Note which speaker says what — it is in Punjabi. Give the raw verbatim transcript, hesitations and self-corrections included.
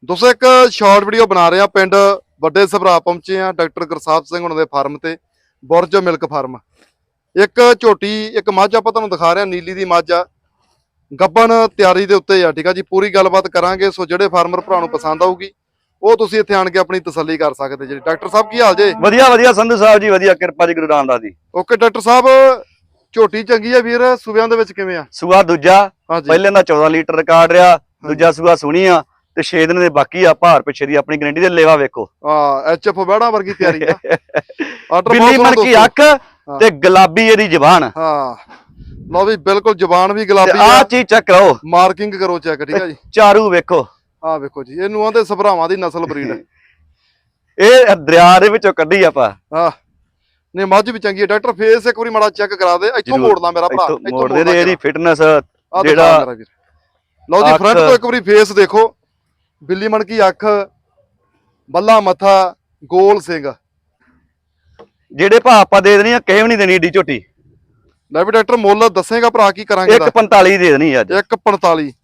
Speaker 1: ਦੋਸਤੋ ਇੱਕ ਸ਼ਾਰਟ ਵੀਡੀਓ ਬਣਾ ਰਹੇ ਆ। ਪਿੰਡ ਵੱਡੇ ਸਭਰਾ ਪਹੁੰਚੇ ਆ ਡਾਕਟਰ ਗੁਰਸਾਹਿਬ ਸਿੰਘ ਉਹਨਾਂ ਦੇ ਫਾਰਮ ਤੇ, ਬੁਰਜ ਮਿਲਕ ਫਾਰਮ। ਇੱਕ ਝੋਟੀ ਇੱਕ ਮੱਝ ਆਪਾਂ ਤੁਹਾਨੂੰ ਦਿਖਾ ਰਹੇ ਆ, ਨੀਲੀ ਦੀ ਮੱਝ ਆ, ਗੱਬਣ ਤਿਆਰੀ ਦੇ ਉੱਤੇ ਆ। ਠੀਕ ਆ ਜੀ, ਪੂਰੀ ਗੱਲਬਾਤ ਕਰਾਂਗੇ। ਸੋ ਜਿਹੜੇ ਫਾਰਮਰ ਭਰਾ ਨੂੰ ਪਸੰਦ ਆਊਗੀ ਉਹ ਤੁਸੀਂ ਇੱਥੇ ਆਣ ਕੇ ਆਪਣੀ ਤਸੱਲੀ ਕਰ ਸਕਦੇ ਜੀ। ਡਾਕਟਰ ਸਾਹਿਬ ਕੀ ਹਾਲ ਜੇ?
Speaker 2: ਵਧੀਆ ਵਧੀਆ ਸੰਧੂ ਸਾਹਿਬ ਜੀ, ਵਧੀਆ ਕਿਰਪਾ ਜੀ ਗੁਰੂ ਰਾਮਦਾਸ ਦੀ।
Speaker 1: ਓਕੇ ਡਾਕਟਰ ਸਾਹਿਬ, ਝੋਟੀ ਚੰਗੀ ਆ ਵੀਰ, ਸੂਬਿਆਂ ਦੇ ਵਿੱਚ ਕਿਵੇਂ ਆ?
Speaker 2: ਸੂਆ ਦੂਜਾ,
Speaker 1: ਹਾਂਜੀ
Speaker 2: ਪਹਿਲੇ ਦਾ ਚੌਦਾਂ ਲੀਟਰ ਰਿਕਾਰਡ ਰਿਹਾ, ਦੂਜਾ ਸੂਆ ਸੁਣੀ ਆ ਤੇ ਛੇ ਦਿਨ ਦੇ ਬਾਕੀ ਆ। ਭਾਰ ਪਿੱਛੇ ਦੀ ਆਪਣੀ ਗਰੰਟੀ ਦੇ ਲੇਵਾ ਵੇਖੋ,
Speaker 1: ਆ ਐਚ ਐਫ ਬੈੜਾ ਵਰਗੀ ਤਿਆਰੀ ਆ। ਆਰਡਰ
Speaker 2: ਬਿੱਲੀ ਮਨ ਕੀ ਅੱਖ ਤੇ ਗੁਲਾਬੀ ਇਹਦੀ ਜ਼ਬਾਨ।
Speaker 1: ਹਾਂ ਲਓ ਵੀ, ਬਿਲਕੁਲ ਜ਼ਬਾਨ ਵੀ ਗੁਲਾਬੀ
Speaker 2: ਆ
Speaker 1: ਆ।
Speaker 2: ਚੀਜ਼ ਚੈੱਕ ਕਰੋ,
Speaker 1: ਮਾਰਕਿੰਗ ਕਰੋ ਚੈੱਕ, ਠੀਕ ਆ ਜੀ।
Speaker 2: ਚਾਰੂ ਵੇਖੋ,
Speaker 1: ਆਹ ਵੇਖੋ ਜੀ, ਇਹਨੂੰ ਆਂਦੇ ਸਭਰਾਵਾਂ ਦੀ ਨਸਲ ਬਰੀਡ।
Speaker 2: ਇਹ ਦਰਿਆ ਦੇ ਵਿੱਚੋਂ ਕੱਢੀ ਆਪਾਂ।
Speaker 1: ਆਹ ਨਹੀਂ, ਮੱਝ ਵੀ ਚੰਗੀ ਹੈ। ਡਾਕਟਰ ਫੇਸ ਇੱਕ ਵਾਰੀ ਮਾੜਾ ਚੈੱਕ ਕਰਾ ਦੇ। ਇੱਥੋਂ ਮੋੜਨਾ ਮੇਰਾ ਭਰਾ,
Speaker 2: ਇੱਥੋਂ ਮੋੜਦੇ ਤੇ ਇਹਦੀ ਫਿਟਨੈਸ
Speaker 1: ਜਿਹੜਾ
Speaker 2: ਜਿਹੜਾ।
Speaker 1: ਲਓ ਜੀ, ਫਰੰਟ ਤੋਂ ਇੱਕ ਵਾਰੀ ਫੇਸ ਦੇਖੋ, ਬਿੱਲੀ ਮਣਕੀ ਅੱਖ, ਬੱਲਾ ਮੱਥਾ, ਗੋਲ ਸਿੰਘ।
Speaker 2: ਜਿਹੜੇ ਭਾ ਆਪਾਂ ਦੇ ਦੇਣੀ ਆ, ਕਿਸੇ ਵੀ ਨਹੀਂ ਦੇਣੀ ਏਡੀ ਝੋਟੀ।
Speaker 1: ਲੈ ਵੀ ਡਾਕਟਰ, ਮੁੱਲ ਦੱਸੇਗਾ ਭਰਾ ਕੀ ਕਰਾਂਗੇ?
Speaker 2: ਇੱਕ ਪੰਤਾਲੀ ਦੇ ਦੇਣੀ ਅੱਜ।
Speaker 1: ਇੱਕ ਪੰਤਾਲੀ।